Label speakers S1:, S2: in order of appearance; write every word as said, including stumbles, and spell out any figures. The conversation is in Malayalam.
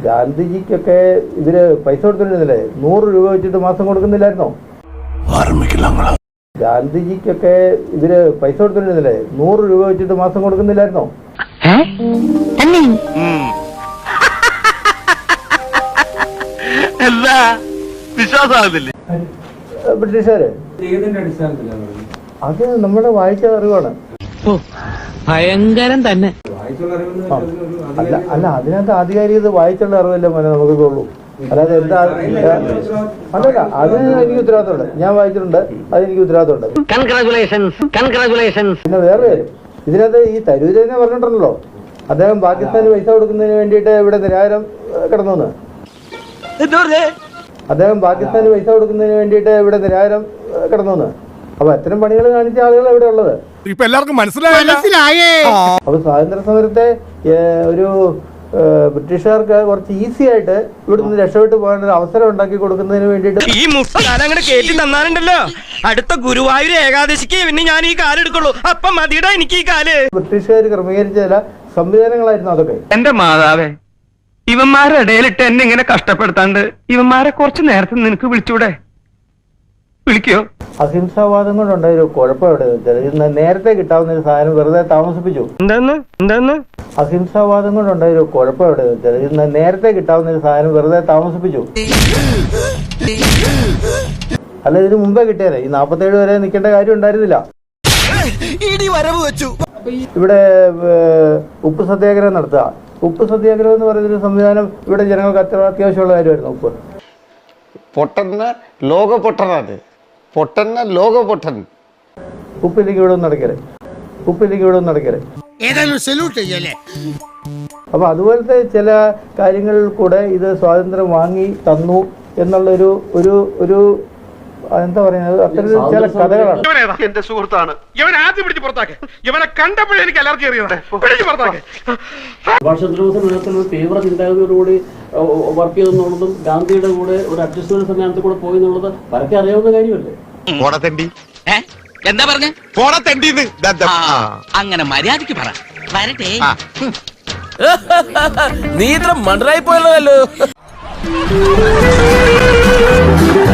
S1: ഗാന്ധിജിക്കൊക്കെ ഇവര് പൈസ കൊടുത്തിരുന്നില്ലേ? നൂറ് രൂപ വെച്ചിട്ട് മാസം കൊടുക്കുന്നില്ലായിരുന്നോ? ഗാന്ധിജിക്കൊക്കെ ഇവര് പൈസ കൊടുത്തിരുന്നില്ലേ? നൂറ് രൂപ വെച്ചിട്ട് മാസം കൊടുക്കുന്നില്ലായിരുന്നോ? ബ്രിട്ടീഷുകാര് അത് നമ്മുടെ വായിച്ച അറിവാണ്.
S2: ഭയങ്കരം തന്നെ.
S1: അല്ല അല്ല അതിനകത്ത് ആധികാരികത വായിച്ചുള്ള അറിവല്ലേ മോനെ നമുക്ക് ഉള്ളൂ. അല്ലാതെ എന്താ അല്ലല്ല അതിന് എനിക്ക് ഉത്തരവാദിത്തമുണ്ട്. ഞാൻ വായിച്ചിട്ടുണ്ട്, അതെനിക്ക് ഉത്തരവാദിത്തമുണ്ട്. പിന്നെ വേറെ കാര്യം, ഇതിനകത്ത് ഈ തരൂര് തന്നെ പറഞ്ഞിട്ടുണ്ടല്ലോ, അദ്ദേഹം പാകിസ്ഥാന് പൈസ കൊടുക്കുന്നതിന് വേണ്ടിയിട്ട് ഇവിടെ നിരാഹാരം കിടന്നു. അദ്ദേഹം പാകിസ്ഥാന് പൈസ കൊടുക്കുന്നതിന് വേണ്ടിയിട്ട് ഇവിടെ നിരാഹാരം കിടന്നു. അപ്പൊ അത്തരം പണികൾ കാണിച്ച ആളുകൾ എവിടെ ഉള്ളത്?
S3: ഇപ്പൊ എല്ലാവർക്കും മനസ്സിലായേ.
S1: അപ്പൊ സ്വാതന്ത്ര്യ സമരത്തെ ഒരു ബ്രിട്ടീഷുകാർക്ക് കുറച്ച് ഈസി ആയിട്ട് ഇവിടെ നിന്ന് രക്ഷപ്പെട്ടു പോകാൻ ഒരു അവസരം ഉണ്ടാക്കി കൊടുക്കുന്നതിന് വേണ്ടിയിട്ട്
S4: ഈ മുസ്താനങ്ങട് കേട്ടി തന്നാലുണ്ടല്ലോ അടുത്ത ഗുരുവായൂർ ഏകാദശിക്ക് പിന്നെ ഞാൻ ഈ കാല് എടുക്കുള്ളൂ. അപ്പൊ മതിയുടെ എനിക്ക് ഈ കാല്.
S1: ബ്രിട്ടീഷുകാർ ക്രമീകരിച്ച ചില സംവിധാനങ്ങളായിരുന്നു അതൊക്കെ.
S4: എന്റെ മാതാവേ, ഇവന്മാരുടെ ഇടയിലിട്ട് എന്നെ ഇങ്ങനെ കഷ്ടപ്പെടുത്താണ്ട് ഇവന്മാരെ കുറച്ച് നേരത്തെ നിനക്ക് വിളിച്ചൂടെ? വിളിക്കോ?
S1: അഹിംസാവാദം കൊണ്ടുണ്ടായ ഒരു കുഴപ്പം എവിടെ വെച്ചാൽ ഇന്ന് നേരത്തെ കിട്ടാവുന്ന ഒരു സാധനം വെറുതെ താമസിപ്പിച്ചു.
S4: എന്താന്ന് എന്താന്ന്
S1: അഹിംസാവാദം കൊണ്ടുണ്ടായ ഒരു കുഴപ്പം എവിടെ വെച്ചാൽ ഇന്ന് നേരത്തെ കിട്ടാവുന്ന ഒരു സാധനം വെറുതെ താമസിപ്പിച്ചു. അല്ല, ഇതിന് മുമ്പേ കിട്ടിയാലേ ഈ നാപ്പത്തേഴ് വരെ നിൽക്കേണ്ട കാര്യം ഉണ്ടായിരുന്നില്ല. ഇവിടെ ഉപ്പ് സത്യാഗ്രഹം നടത്തുക. ഉപ്പ് സത്യാഗ്രഹം എന്ന് പറയുന്നൊരു സംവിധാനം ഇവിടെ ജനങ്ങൾക്ക് അത്ര അത്യാവശ്യമുള്ള കാര്യമായിരുന്നു. ഉപ്പ്
S5: പൊട്ടന്ന ലോക പൊട്ടനാണ്. പൊട്ടന്ന ലോക പൊട്ടൻ.
S1: ഉപ്പില്ലെങ്കിൽ ഇവിടെ ഒന്ന് നടക്കരുത്. ഉപ്പില്ലെങ്കിൽ ഇവിടെ ഒന്ന് നടക്കരുത്. അപ്പൊ അതുപോലത്തെ ചില കാര്യങ്ങളിൽ കൂടെ ഇത് സ്വാതന്ത്ര്യം വാങ്ങി തന്നു എന്നുള്ളൊരു ഒരു ഒരു എന്താ പറയുന്നത്, അത്തരം ചില കഥകളാണ്.
S3: എന്റെ സുഹൃത്താണ് ഇവൻ. ആദ്യം പിടിച്ച് പുറത്താക്കെ. ഇവനെ കണ്ടപ്പോഴേ എനിക്ക് അലർജി അറിയുന്നുണ്ട്.
S6: സുഭാഷ് ചന്ദ്രബോസിന് തീവ്ര ചിന്താഗതിയോടുകൂടി വർക്ക് ചെയ്തെന്നുള്ളതും ഗാന്ധിയുടെ കൂടെ ഒരു അഡ്ജസ്റ്റ്മെന്റ് സംവിധാനത്തിൽ കൂടെ പോയി എന്നുള്ളത് പരക്കെ അറിയാവുന്ന കാര്യമല്ലേ?
S2: എന്താ പറഞ്ഞ അങ്ങനെ മര്യാദക്ക് പറ. വരട്ടെ.
S4: നീ ഇത്ര മണ്ടറായി പോയല്ലോ.